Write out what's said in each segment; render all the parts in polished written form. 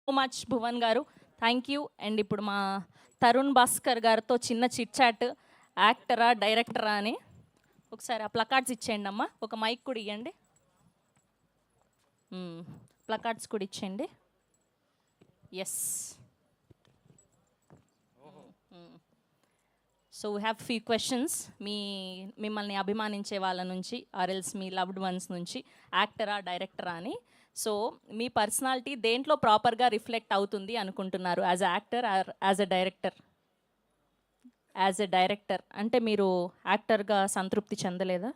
Much Bhuvan గారు, thank you. And ఇప్పుడు మా తరుణ్ భాస్కర్ గారితో చిన్న చిట్ చాట్, యాక్టరా డైరెక్టరా అని. ఒకసారి ఆ ప్లకార్డ్స్ ఇచ్చేయండి అమ్మా, ఒక మైక్ కూడా ఇవ్వండి. ప్లకార్డ్స్ కూడా ఇచ్చేయండి. Yes. So we have few questions మిమ్మల్ని అభిమానించే వాళ్ళ నుంచి ఆర్ఎల్స్ మీ లవ్డ్ వన్స్ నుంచి, యాక్టరా డైరెక్టరా అని. సో మీ పర్సనాలిటీ దేంట్లో ప్రాపర్గా రిఫ్లెక్ట్ అవుతుంది అనుకుంటున్నారు, as a actor or as a director? As a director అంటే మీరు యాక్టర్గా సంతృప్తి చెందలేదా?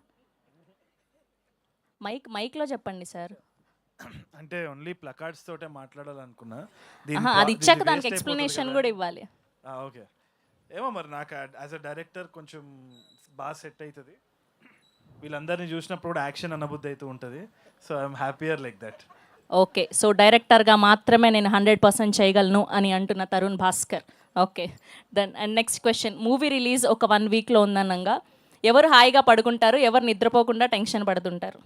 మైక్లో చెప్పండి సార్. అంటే ఓన్లీ ప్లకార్డ్స్ తోటే మాట్లాడాలనుకున్నా. అది ఇచ్చాక దానికి ఎక్స్ప్లెనేషన్ కూడా ఇవ్వాలి. ఓకే, ఏమో మరి నాకు యాజ్ అ డైరెక్టర్ కొంచెం బాగా సెట్ అవుతుంది. వీళ్ళందరినీ చూసినప్పుడు కూడా యాక్షన్ అనబుద్ధి అవుతూ ఉంటుంది. So I'm happier like that. Okay, so డైరెక్టర్గా మాత్రమే నేను 100% చేయగలను అని అంటున్న Tarun Bhaskar. Okay, then and next question. Movie release ఒక 1 వీక్లో ఉందనగా ఎవరు హాయిగా పడుకుంటారు, ఎవరు నిద్రపోకుండా టెన్షన్ పడుతుంటారు?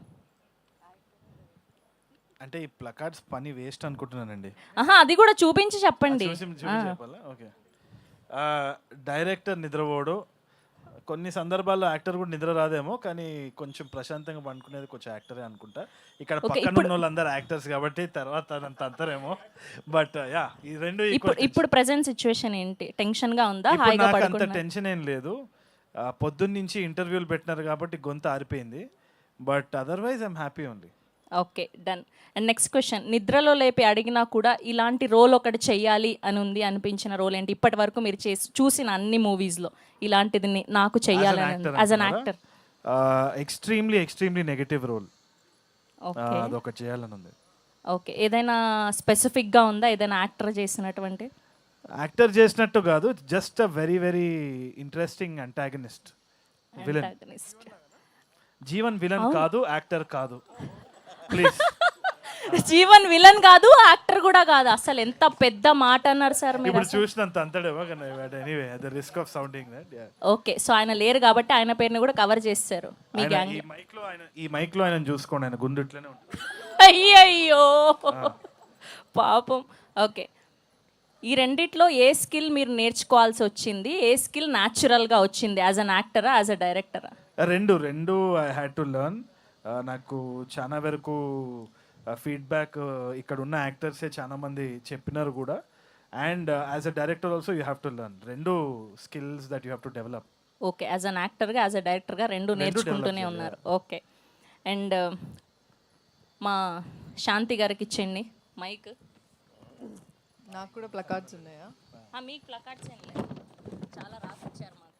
అంటే ఈ ప్లకార్డ్స్ పని వేస్ట్ అనుకుంటున్నానండి. అది కూడా చూపించి చెప్పండి. చెప్పాలా? ఓకే. డైరెక్టర్ నిద్రపోడు, కొన్ని సందర్భాల్లో యాక్టర్ కూడా నిద్ర రాదేమో, కానీ కొంచెం ప్రశాంతంగా పండుకునేది కొంచెం యాక్టరే అనుకుంటా. ఇక్కడ పక్కన ఉన్న వాళ్ళందరూ యాక్టర్స్ కాబట్టి తర్వాత అంతరేమో. బట్ యా, ఈ రెండు ఇప్పుడు ప్రెజెంట్ సిచ్యువేషన్ ఏంటి? టెన్షన్ గా ఉందా? నాకు అంత టెన్షన్ ఏం లేదు. పొద్దున్న నుంచి ఇంటర్వ్యూలు పెట్టినారు కాబట్టి గొంతు ఆరిపోయింది. But otherwise I'm happy only. Okay, done. And next question. నిద్రలో లేపి అడిగినా కూడా ఇలాంటి రోల్ ఒకటి చెయ్యాలి అని ఉంది అనిపించిన రోల్ ఏంటి? ఇప్పటి వరకు మీరు చూసిన అన్ని మూవీస్లో ఇలాంటిది నాకు చెయ్యాలని యాజ్ అన్ యాక్టర్. ఎక్స్ట్రీమ్లీ నెగటివ్ రోల్, అదొకటి చేయాలని ఉంది. ఓకే, ఏదైనా స్పెసిఫిక్గా ఉందా? ఏదైనా యాక్టర్ చేసినటువంటి? యాక్టర్ చేసినట్టు కాదు, just a very very interesting antagonist, villain. Jeevan villain కాదు, యాక్టర్ కాదు ప్లీజ్. జీవన్ విలన్ కాదు, యాక్టర్ కూడా కాదు. అసలు ఎంత పెద్ద మాట అన్నారు సార్ మీరు. ఇప్పుడు చూసినంత అంతడేమో, anyway the risk of sounding that. Okay, so ఆయన లేరు కాబట్టి ఆయన పేరుని కూడా కవర్ చేస్తారు మీ గ్యాంగ్. ఈ మైక్ లో ఆయన చూసుకోండి, ఆయన గుండు ఇట్లనే ఉంటుంది. అయ్యయ్యో పాపం. ఓకే, ఈ రెండిట్లో ఏ స్కిల్ మీరు నేర్చుకోవాల్సి వచ్చింది, ఏ స్కిల్ న్యాచురల్గా వచ్చింది? యాజ్ అన్ యాక్టరా, యాజ్ అ డైరెక్టరా? రెండు ఐ హ్యాడ్ టు లెర్న్. నాకు చాలా వరకు ఫీడ్బ్యాక్ ఇక్కడ ఉన్న యాక్టర్సే చాలా మంది చెప్పినారు కూడా. And as a director also you have to learn. రెండు skills that you have to develop. Okay, as an యాక్టర్గా, యాజ్ అ డైరెక్టర్గా రెండు నేర్చుకుంటూనే ఉన్నారు. ఓకే, అండ్ మా శాంతి గారికి ఇచ్చేయండి మైక్. నాకు కూడా ప్లకార్డ్స్ ఉన్నాయా? మీకు ప్లకార్డ్స్ ఏం లేదు, చాలా రాసిచ్చారు మాకు.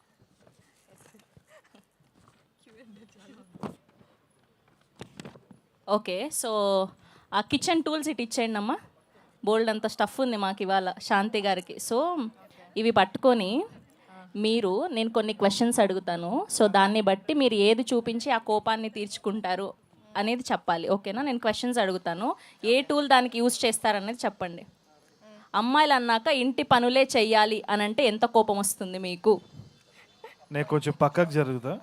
ఓకే, సో ఆ కిచెన్ టూల్స్ ఇటు ఇచ్చేయండి అమ్మా. బోల్డ్ అంత స్టఫ్ ఉంది మాకు ఇవాళ శాంతి గారికి. సో ఇవి పట్టుకొని నేను కొన్ని క్వశ్చన్స్ అడుగుతాను. సో దాన్ని బట్టి మీరు ఏది చూపించి ఆ కోపాన్ని తీర్చుకుంటారు అనేది చెప్పాలి. ఓకేనా? నేను క్వశ్చన్స్ అడుగుతాను, ఏ టూల్ దానికి యూజ్ చేస్తారనేది చెప్పండి. అమ్మాయిలు అన్నాక ఇంటి పనులే చెయ్యాలి అని అంటే ఎంత కోపం వస్తుంది మీకు? నేను కొంచెం పక్కకు జరుగుతా.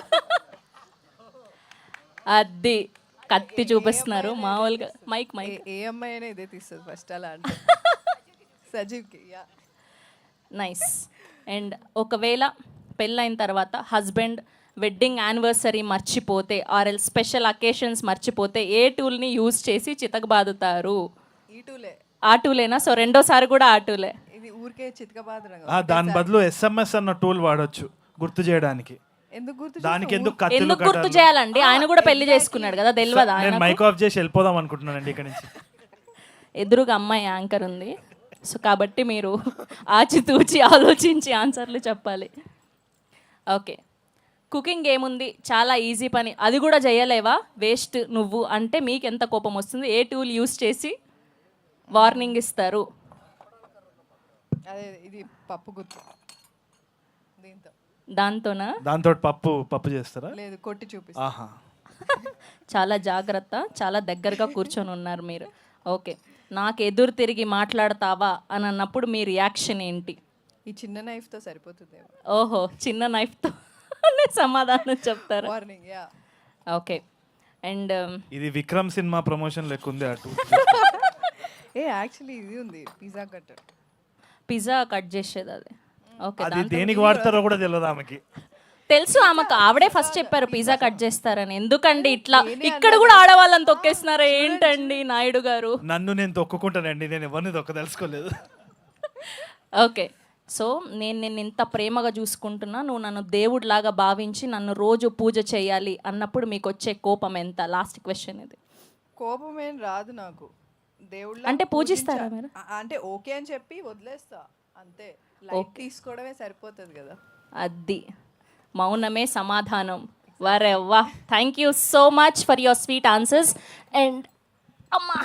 అది కత్తి చూపిస్తున్నారు మామూలుగా. మైక్ ఏ అమ్మాయి అయినా ఇదే తీస్తుంది ఫస్ట్ అలా అంటే. సజీవ్కి నైస్. అండ్ ఒకవేళ పెళ్ళైన తర్వాత హస్బెండ్ వెడ్డింగ్ యానివర్సరీ మర్చిపోతే ఆర్ఎల్ స్పెషల్ అకేషన్స్ మర్చిపోతే ఏ టూల్ని యూజ్ చేసి చితకబాదుతారు? ఈ టూలే. ఆ టూలేనా? సో రెండోసారి కూడా ఆ టూలే. ఇది ఊరికే చితకబాదడం. దాని బదులు SMS అన్న టూల్ వాడొచ్చు గుర్తు చేయడానికి. దానికి ఎందుకు గుర్తు చేయాలండి? ఆయన కూడా పెళ్లి చేసుకున్నాడు కదా, తెలియదా? నేను మైక్ ఆఫ్ చేసి వెళ్ళిపోదాం అనుకుంటున్నానండి ఇక్కడ నుంచి. ఎదురుగా అమ్మాయి యాంకర్ ఉంది, సో కాబట్టి మీరు ఆచితూచి ఆలోచించి ఆన్సర్లు చెప్పాలి. ఓకే, కుకింగ్ ఏముంది, చాలా ఈజీ పని, అది కూడా చేయలేవా, వేస్ట్ నువ్వు అంటే మీకు ఎంత కోపం వస్తుంది? ఏ టూల్ యూస్ చేసి వార్నింగ్ ఇస్తారు? అదే ఇది పప్పు గుర్తు. దీంతో దాంతో పప్పు చేస్తారా? లేదు, కొట్టి చూపిస్తా. చాలా జాగ్రత్త, చాలా దగ్గరగా కూర్చొని ఉన్నారు మీరు. ఓకే, నాకు ఎదురు తిరిగి మాట్లాడతావా అని అన్నప్పుడు మీ రియాక్షన్ ఏంటి? ఈ చిన్న నైఫ్తో సరిపోతుంది. ఓహో, చిన్న నైఫ్తో సమాధానం చెప్తారు. వార్నింగ్. యా. ఓకే, అండ్ ఇది విక్రమ్ సినిమా ప్రమోషన్ లెక్క ఉంది అటు. ఏ యాక్చువల్లీ ఇది ఉంది పిజ్జా కట్టర్. పిజ్జా కట్ చేసేది అది. ఓకే, అది దేనికి వాడతారో కూడా తెలియదు ఆమెకి. తెలుసు ఆమెకు, ఆవిడే ఫస్ట్ చెప్పారు పిజ్జా కట్ చేస్తారని. ఎందుకండి ఇట్లా ఇక్కడ కూడా ఆడవాళ్ళని తొక్కేస్తున్నారా ఏంటండి నాయుడు గారు? నన్ను నేను తొక్కుకుంటానండి, నేను ఎవరిని తొక్కదలుచుకోలేదు. ఓకే, సో నేను నిన్ను ఇంత ప్రేమగా చూసుకుంటున్నా, నువ్వు నన్ను దేవుడిలాగా భావించి నన్ను రోజు పూజ చేయాలి అన్నప్పుడు మీకు వచ్చే కోపం ఎంత? లాస్ట్ క్వశ్చన్ ఇది. కోపం ఏం రాదు నాకు. దేవుళ్ళ అంటే పూజిస్తారా మీరు? అంటే ఓకే అని చెప్పి వదిలేస్తా అంతే. లైట్ తీసుకోవడమే సరిపోతుంది కదా. అది మౌనమే సమాధానం. వరే వా, thank you so much for your sweet answers. And అమ్మా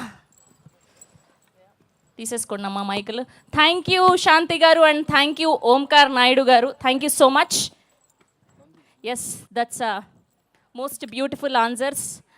తీసేసుకోండి అమ్మా మైకులు. Thank you Shanti garu and thank you Omkar Naidu garu. Thank you so much. Yes, that's most beautiful answers.